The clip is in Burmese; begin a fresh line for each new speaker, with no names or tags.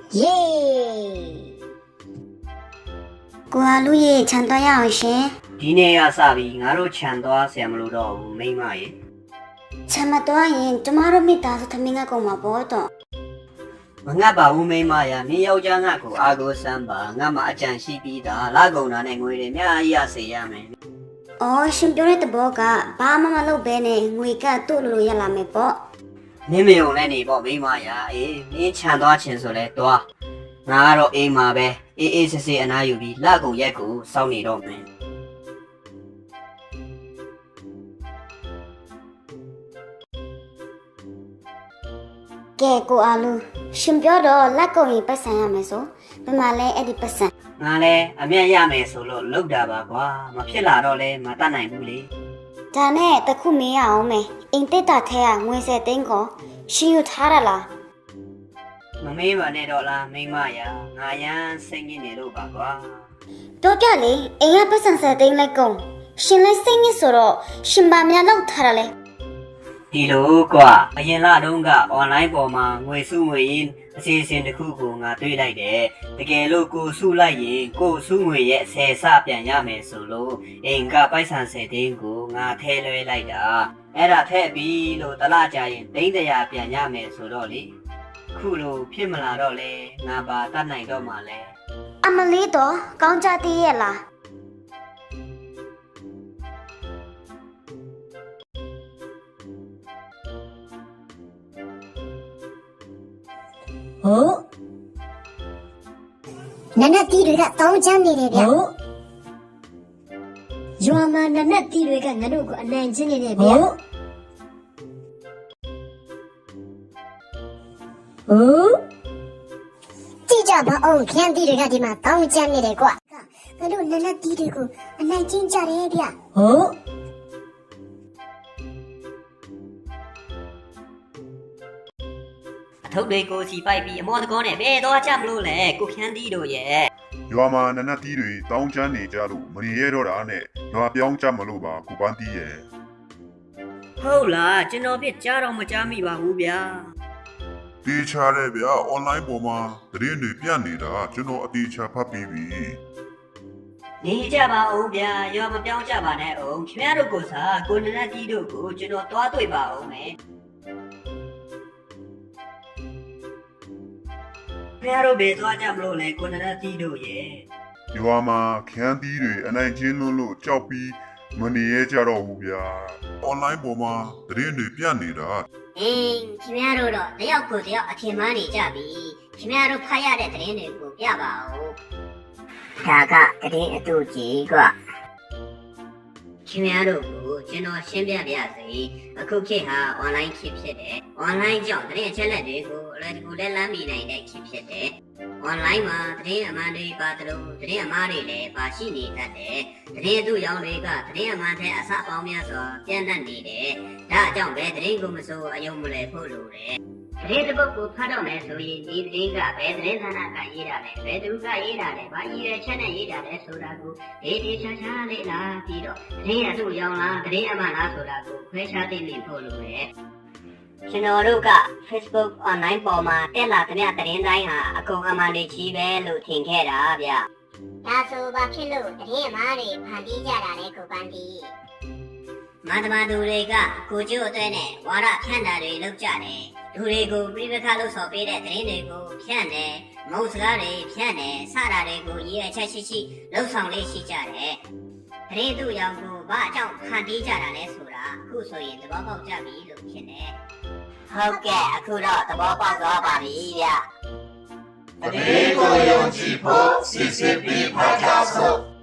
耶！过阿路耶，抢到要先。
ဒီနေ့ရစပြီငါတို့ခြံသွားဆရာမလို့တော့ဘူးမိမရေ
抢么多人，这马路没打是他们个公嘛不懂。
မငတ်ပါဘူးမိမရမင်းယောက်ျားငါ့ကိုအာကိုစမ်းပါငါမှအကြံရှိပြီးသားလာကုန်တာနဲ့ငွေတွေအများကြီးရစေရမယ်
哦，新表的包个，爸妈妈老白呢，我个多路也拉没包。
နင်းမယုံနဲ့နေပေါ့မိမရအေးမင်းခြံသွားခြင်းဆိုလဲသွားငါကတော့အိမ်မှာပဲအေးအေးဆေးဆေးအနားယူပြီးလာကုန်ရက်ကိုစောင့်နေတော့မယ်
ကဲကိုအားလူရှင်ပြောတော့လက်ကုံရင်ပတ်စံရမယ်ဆိုဘယ်မှာလဲအဲ့ဒီပတ်စံ
ငါလဲအမျက်ရမယ်ဆိုလို့လောက်တာပါကွာမဖြစ်လာတော့လဲမတတ်နိုင်ဘူးလေ
ဒါနဲ့တခုမေးရအောင်မယ်အိမ်တက်တာထဲကငွေစက်သိန်းကိုရှင်ယူထားရလား
မမေးပါနဲ့တော့လားမိမရငါရမ်းစိတ်ညစ်နေလို့ပါကွာ
တော့ကြလေအိမ်ကပတ်စံစက်သိန်းလက်ကုံရှင်လဲစိတ်ညစ်ဆိုတော့ရှင်ပါများလောက်ထားရလဲ
ဒီလိုကွာအရင်လတုန်းက online ပေါ်မှာငွေစုငွေရင်းအစီအစဉ်တစ်ခုကိုငါတွေးလိုက်တယ်တကယ်လို့ကိုစုလိုက်ရင်ကိုစုငွေရဲ့10ဆပြန်ရမယ်ဆိုလို့အိမ်ကပိုက်ဆံ10သိန်းကိုငါထဲလွှဲလိုက်တာအဲ့ဒါထည့်ပြီးလို့တလားကြရင်သိန်း100ပြန်ရမယ်ဆိုတော့လေခုလိုဖြစ်မလာတော့လေငါပါတတ်နိုင်တော့မှလဲ
အမလေးတော့ကောင်းကြသေးရဲ့လား
ဟုတ်နနက်တီးတွေကတောင်းချမ်းနေတယ်ဗျဟုတ်ရွာမှာနနက်တီးတွေကငါတို့ကိုအနိုင်ကျင့်နေတယ်ဗျဟုတ်ကြည့်ကြပါအောင်ခန်းတီးတွေကဒီမှာတောင်းချမ်းနေတယ်ကွာငါတို့နနက်တီးတွေကိုအနိုင်ကျင့်ကြတယ်ဗျဟုတ်
အထုပ်တွေကိုစီပိုက်ပြီးအမောတကောနဲ့ဘယ်တော့ကြမလို့လဲကိုခန်းတီးတို့ရဲ့
ရွာမှာနနက်တီးတွေတောင်းချမ်းနေကြလို့မနေရတော့တာနဲ့ရွာပြောင်းကြမလို့ပါကိုပန်းတီးရဲ့
ဟုတ်လားကျွန်တော်ပြကြားတော့မကြားမိပါဘူးဗျာ
တေးချတဲ့ဗျာ online ပေါ်မှာသတင်းတွေပြနေတာကျွန်တော်အတေးချဖတ်ပြီးပြီ
နေကြပါဦးဗျာရွာမပြောင်းကြပါနဲ့အောင်ခင်ဗျားတို့ကိုစားကိုနနက်တီးတို့ကိုကျွန်တော်သွားတွေ့ပါအောင်မယ်ခင်ဗျားတို့ဘယ်သွားကြမလို့လဲကိုနနက်တီးတို့ရဲ့
ရွာမှာခန်းတီးတွေအနိုင်ကျင်းလွန်းလို့ကြောက်ပြီးမနေရကြတော့ဘူးဗျာ online ပေါ်မှာသတင်းတွေပြနေတာ
ခင်ဗျားတို့တော့တယောက်ကိုတယောက်အထင်မှားနေကြပြီခင်ဗျားတို့ဖတ်ရတဲ့သတင်းတွေကိုပြပါဦးဒါကသတင်းအတူကြီးကွာခင်ဗျားတို့ကိုကျွန်တော်ရှင်းပြပါရစေအခုခေတ်ဟာ online ခေတ်ဖြစ်တယ် online ကြောင့်သတင်းအချက်အလက်တွေကိုအလွယ်တကူလက်လန်းမိနိုင်တဲ့ခေတ်ဖြစ်တယ် online မှာသတင်းအမှန်တွေပါတယ်လို့သတင်းအမှားတွေလည်းပါရှိနေတတ်တယ်သတင်းအတူရောင်တွေကသတင်းအမှန်တဲ့အစပေါင်းများစွာပြန့်နှံ့နေတယ်ဒါအကြောင်းပဲသတင်းကိုမစိုးအယုံမလဲဖို့လိုတယ်သတင်းတစ်ပုဒ်ကိုဖတ်တော့မယ်ဆိုရင်ဒီသတင်းကဘယ်သတင်းဌာနကရေးတာလဲဘယ်သူကရေးတာလဲဘာရည်ရွယ်ချက်နဲ့ရေးတာလဲဆိုတာကိုဒေချာချာလေးလာပြီးတော့သတင်းအတူရောင်လားသတင်းအမှန်လားဆိုတာကိုခွဲခြားသိနေဖို့လိုတယ်ကျွန်တော်တို့က Facebook online ပေါ်မှာတက်လာတဲ့သတင်းတိုင်းဟာအကုန်အမှန်တွေကြီးပဲလို့ထင်ခဲ့တာဗျ။ဒါဆိုဘာဖြစ်လို့သတင်းအမှားတွေဖန်တီးကြတာလဲကိုပန်းတီး။မန္တမသူတွေကကိုကျိုးအတွက်နဲ့ဝါဒဖြန့်တာတွေလုပ်ကြတယ်။လူတွေကိုပြိပခါလို့ဆိုပေးတဲ့သတင်းတွေကိုဖြန့်တယ်။မဟုတ်စကားတွေဖြန့်တယ်စတာတွေကိုရည်အချက်ရှိလှုပ်ဆောင်လေးရှိကြတယ်။သတင်းသူရောင်ကိုဘာအကြောင်းဖန်တီးကြတာလဲဆိုတာအခုဆိုရင်သဘောပေါက်ကြပြီလို့ဖြစ်နေ။ဟုတ်ကဲ့အခုတော့သဘောပေါက်သွားပါပြီဗျ
တတိကိုယုံကြည်ဖို့စစ်စစ်ပြီးဖတ်ကြစို့